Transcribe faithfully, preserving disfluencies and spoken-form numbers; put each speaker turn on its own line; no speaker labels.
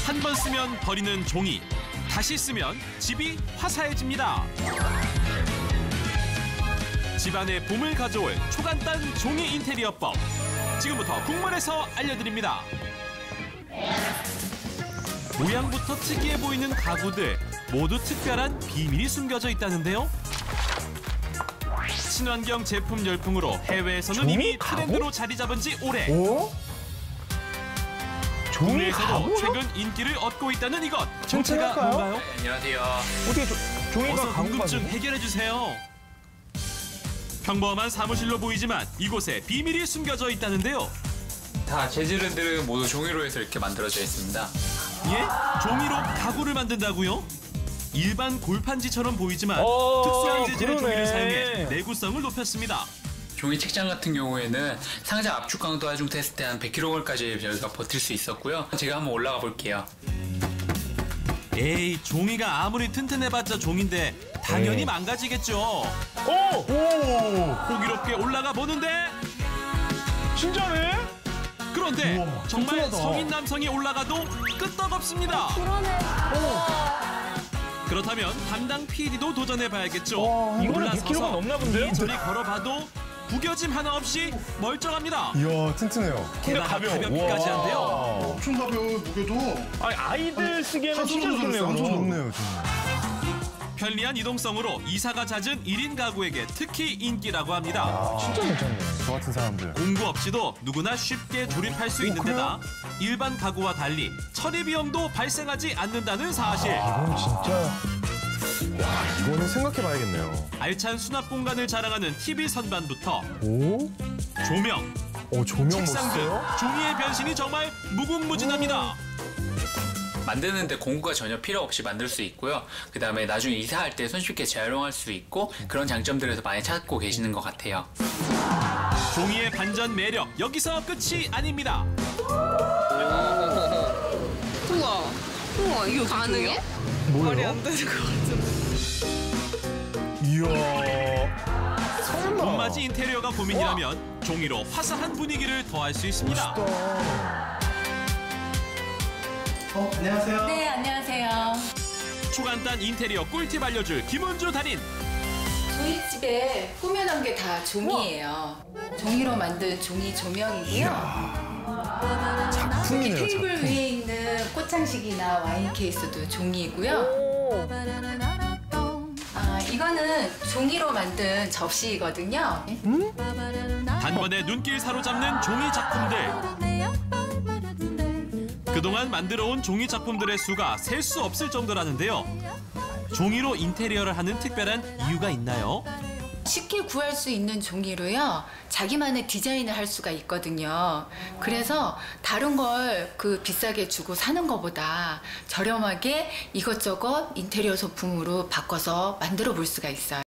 한 번 쓰면 버리는 종이, 다시 쓰면 집이 화사해집니다. 집안의 봄을 가져올 초간단 종이 인테리어법. 지금부터 국물에서 알려드립니다. 모양부터 특이해 보이는 가구들 모두 특별한 비밀이 숨겨져 있다는데요. 친환경 제품 열풍으로 해외에서는
종이
이미
가구?
트렌드로 자리 잡은 지 오래.
오? 종이
국내에서도
가구요?
최근 인기를 얻고 있다는 이것.
좀
정체가
찾아볼까요?
뭔가요?
네, 안녕하세요.
어떻게 조, 종이가
어서
가구가
궁금증
되지?
해결해 주세요. 평범한 사무실로 보이지만 이곳에 비밀이 숨겨져 있다는데요.
다 재질들은 모두 종이로 해서 이렇게 만들어져 있습니다.
예? 종이로 가구를 만든다고요? 일반 골판지처럼 보이지만
어,
특수한 재질의
그러네.
종이를 사용해 내구성을 높였습니다.
종이 책장 같은 경우에는 상자 압축 강도 하중 테스트 한 백 킬로그램까지 저희가 버틸 수 있었고요. 제가 한번 올라가 볼게요.
에이, 종이가 아무리 튼튼해봤자 종인데 당연히
에이.
망가지겠죠.
오! 오!
호기롭게 올라가 보는데
진짜네?
그런데
우와,
정말
튼튼하다.
성인 남성이 올라가도 끄떡없습니다.
그러네.
그렇다면 담당 피디도 도전해봐야겠죠.
와, 이거는
올라서서
백 킬로그램가 넘나 본데요?
이리저리 걸어봐도 구겨짐 하나 없이 멀쩡합니다.
이야, 튼튼해요.
게다가
가벼워.
가볍기까지
우와.
한데요.
엄청 가벼워요, 무게도.
아니, 아이들 쓰기에는
한
진짜
손으로
좋네요.
들었어요. 엄청 좋네요, 정말.
편리한 이동성으로 이사가 잦은 일 인 가구에게 특히 인기라고 합니다.
아, 진짜 괜찮네.
저 같은 사람들.
공구 없이도 누구나 쉽게 조립할 수 있는 데다 일반 가구와 달리 처리 비용도 발생하지 않는다는 사실.
이건 진짜
와, 이거는 생각해봐야겠네요.
알찬 수납 공간을 자랑하는 티비 선반부터
오?
조명,
어, 조명
책상 등
멋있어요?
종이의 변신이 정말 무궁무진합니다.
만드는데 공구가 전혀 필요 없이 만들 수 있고요. 그 다음에 나중에 이사할 때 손쉽게 재활용할 수 있고 그런 장점들에서 많이 찾고 계시는 것 같아요.
종이의 반전 매력 여기서 끝이 아닙니다.
우와. 우와, 이거 가능해? 말이 안 되는 것 같은데.
이야.
설마.
봄맞이 인테리어가 고민이라면 종이로 화사한 분위기를 더할 수 있습니다.
어, 안녕하세요.
네, 안녕하세요.
초간단 인테리어 꿀팁 알려줄 김은주 달인.
저희 집에 꾸며놓은 게 다 종이에요. 종이로 만든 종이 조명이고요.
작품이네요,
테이블
작품.
위에 있는 꽃장식이나 와인 케이스도 종이고요.
오.
아, 이거는 종이로 만든 접시이거든요.
단번에 눈길 사로잡는 종이 작품들. 그동안 만들어온 종이 작품들의 수가 셀 수 없을 정도라는데요. 종이로 인테리어를 하는 특별한 이유가 있나요?
쉽게 구할 수 있는 종이로요. 자기만의 디자인을 할 수가 있거든요. 그래서 다른 걸 그 비싸게 주고 사는 것보다 저렴하게 이것저것 인테리어 소품으로 바꿔서 만들어 볼 수가 있어요.